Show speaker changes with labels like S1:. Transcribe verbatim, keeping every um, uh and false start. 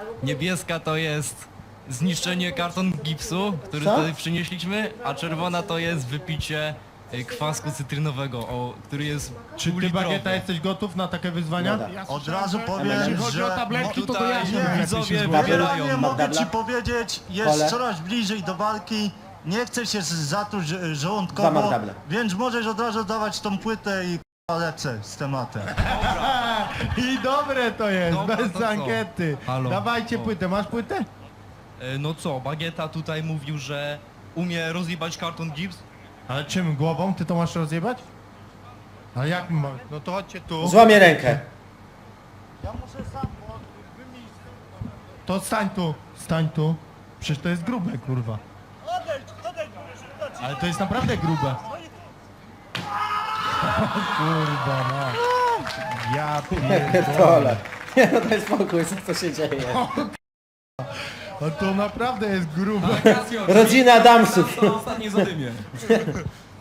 S1: Niebieska to jest zniszczenie karton gipsu, który
S2: Co?
S1: tutaj przynieśliśmy, a czerwona to jest wypicie y, kwasku cytrynowego, o, który jest
S3: Czy ty,
S1: półlitrowy.
S3: Bagieta, jesteś gotów na takie wyzwania?
S2: No tak.
S4: Od razu powiem,
S3: Jeśli chodzi o
S4: że
S3: tabletki, to to
S1: tutaj
S3: ja się wiem, jak ty się
S1: widzowie
S3: zgłaszam.
S1: wybierają.
S4: nie mogę
S2: Magdabla?
S4: ci powiedzieć, jest
S2: Kole?
S4: coraz bliżej do walki, nie chcę się zatruć e,
S2: Dwa
S4: żołądkowo,
S2: Magdable.
S4: więc możesz od razu dawać tą płytę i k***a, lecę z tematem.
S3: I dobre to jest,
S1: Dobra,
S3: bez
S1: to co?
S3: ankiety.
S1: Halo.
S3: Dawajcie
S1: O.
S3: płytę, masz płytę?
S1: Y, No co, Bagieta tutaj mówił, że umie rozjebać karton gips.
S3: Ale czym, głową? Ty to masz rozjebać? A jak ma? No to chodźcie tu.
S2: Złamię rękę.
S4: Ja muszę sam, bo
S3: To stań tu, stań tu. Przecież to jest grube, kurwa. Ale to jest naprawdę grube. O, kurwa, no. Ja pierdolę.
S2: Pierdolę. Nie no daj spokój, co, co się dzieje.
S3: O, to naprawdę jest grube.
S2: Rodzina Adamsów.
S1: To ostatnie zadymie.